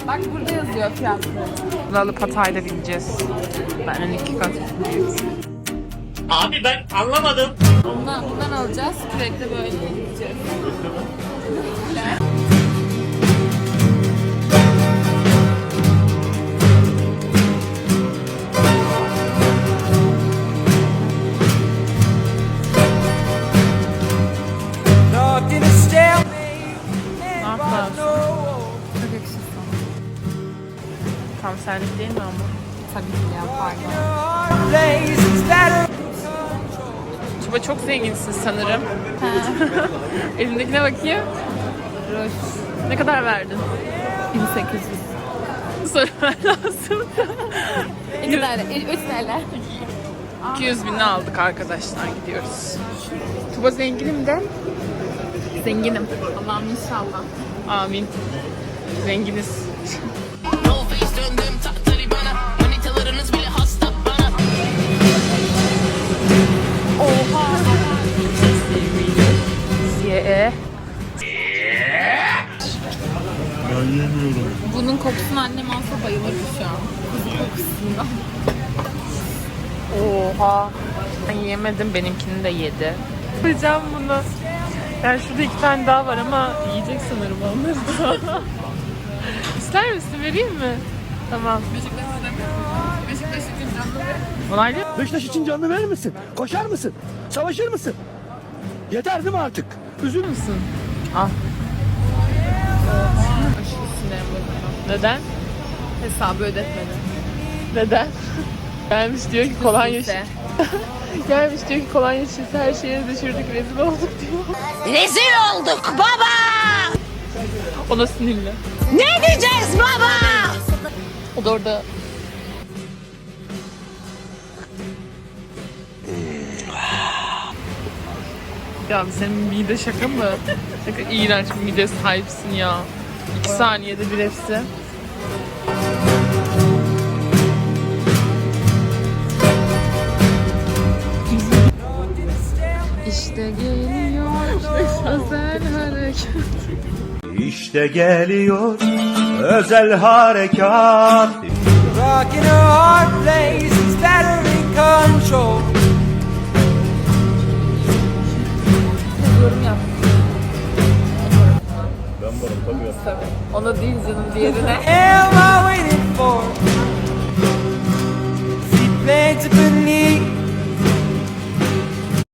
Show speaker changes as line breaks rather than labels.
Bak burada yazıyor fiyatları.
Lalı Patay'da bineceğiz. Benden 2 kat büyük.
Abi ben anlamadım.
Bundan alacağız. Sürekli böyle gideceğiz.
Ne yapalım?
Çok yakışır sana.
Tam senlik değil mi ama?
Tabii ki ya, pardon.
Tuba çok zenginsin sanırım. Elindekine bakayım.
Ruj.
Ne kadar verdin?
1800.
Sorman lazım.
Ne kadar? 3 TL.
200 binini aldık arkadaşlar, gidiyoruz. Tuba zenginim de. Zenginim.
Allah'ım inşallah.
Amin. Zenginiz. Oha. Yeah.
Bunun kokusunu annem alsa bayılır şu an. Kuzu kokusundan.
Oha. Ben yemedim, benimkini de yedi. Yapacağım bunu. Yani şurada 2 tane daha var ama yiyecek sanırım onları da. İster misin? Vereyim mi? Tamam.
Beşiktaş için canlı ve
Onaylı.
Beşiktaş için canını verir misin? Koşar mısın? Savaşır mısın? Yeter değil mi artık? Üzül
Musun? Al.
aşırı sinirlendim.
Neden?
Hesabı ödetmedi.
Neden? Gelmiş diyor ki kolonya
Üstünse.
Gelmiş diyor ki kolonya şişesi her şeye düşürdük, rezil olduk diyor.
Rezil olduk baba!
Ona sinirli.
Ne diyeceğiz baba?
O da orada ya senin mide şaka mı? Şaka iğrenç bir mide sahipsin ya. 2 saniyede bir hepsi.
İşte geliyor özel hareket.
İşte geliyor özel harekat. Rockin' a hard place, it's better in control.
Yorum yap. Ben varım tabii. Ona değil canım, diğerine.
Am I waiting for?